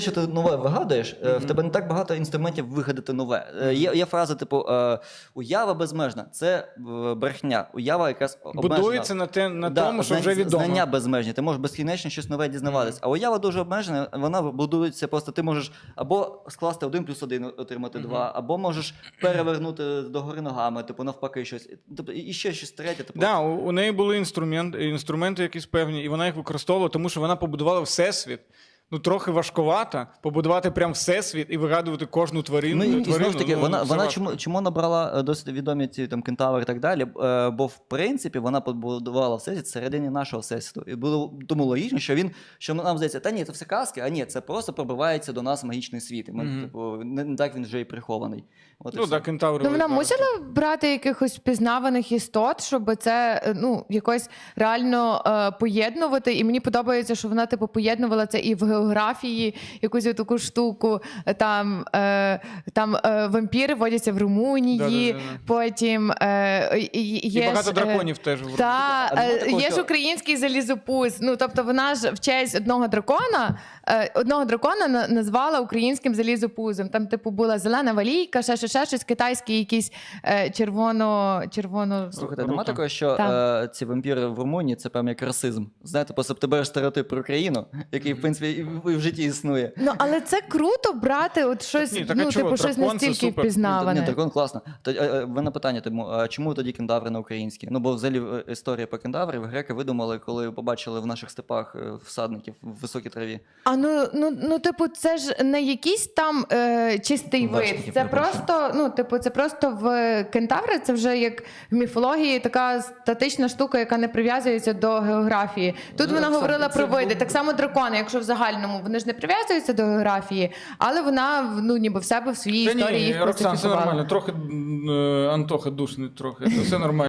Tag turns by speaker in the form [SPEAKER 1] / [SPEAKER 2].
[SPEAKER 1] Що ти нове вигадуєш, в тебе не так багато інструментів вигадати нове. Є фраза, типу, уява безмежна. Це брехня. Уява якраз обмежена.
[SPEAKER 2] Будується на тому, що вже відомо.
[SPEAKER 1] Знання безмежні. Ти можеш безкінечно щось нове дізнаватись. А уява дуже обмежена, вона будується просто, ти можеш або скласти 1 + 1, отримати 2, або можеш перевернути догори ногами, типу навпаки щось. Тобто, і ще щось третє. Типу.
[SPEAKER 2] Да, у неї були інструменти якісь певні, і вона їх використовувала, тому що вона побудувала всесвіт. Ну, трохи важкувато побудувати прям всесвіт і вигадувати кожну тварину.
[SPEAKER 1] Ну, і знову ж таки, вона
[SPEAKER 2] чому
[SPEAKER 1] чому набрала досить відомі ці там кентаври і так далі, бо в принципі вона побудувала всесвіт всередині нашого всесвіту. І було тому логічно, що нам здається, та ні, це все казки, а ні, це просто пробивається до нас магічний світ. І ми, типу, не так він вже і прихований. От
[SPEAKER 2] ну, так, кентаври.
[SPEAKER 3] Ну, вона мусила брати якихось впізнаваних істот, щоб це, ну, якось реально поєднувати. І мені подобається, що вона, типу, поєднувала це і в географії, якусь таку штуку. Там вампіри водяться в Румунії, потім є
[SPEAKER 2] і багато драконів теж.
[SPEAKER 3] Є ж український залізопуз. Ну, тобто вона ж в честь одного дракона назвала українським залізопузом. Там, типу, була зелена валійка, ще щось, китайський якийсь червоно...
[SPEAKER 1] Слухайте, нема такого, що ці вампіри в Румунії – це прям як расизм. Знаєте, просто ти береш стереотип про країну, який, в принципі, і в житті існує.
[SPEAKER 3] Ну, але це круто брати от щось, типу, щось настільки впізнаване.
[SPEAKER 1] Ні, дракон класно. В мене питання тому, а чому тоді кентаври на українській? Ну, бо взагалі історія про кентаврів греки видумали, коли побачили в наших степах всадників в високій траві.
[SPEAKER 3] А ну, типу, це ж не якийсь там чистий вид. Це просто, ну, типу, це просто в кентаври, це вже як в міфології така статична штука, яка не прив'язується до географії. Тут вона говорила про види. Так само дракони, якщо в загальному, вони ж не прив'язуються до географії, але вона, ну, ніби в себе в своїй історії їх
[SPEAKER 2] Роксан, все
[SPEAKER 3] класифікувала.
[SPEAKER 2] нормально. Трохи Антоха душний, трохи. Це все нормально.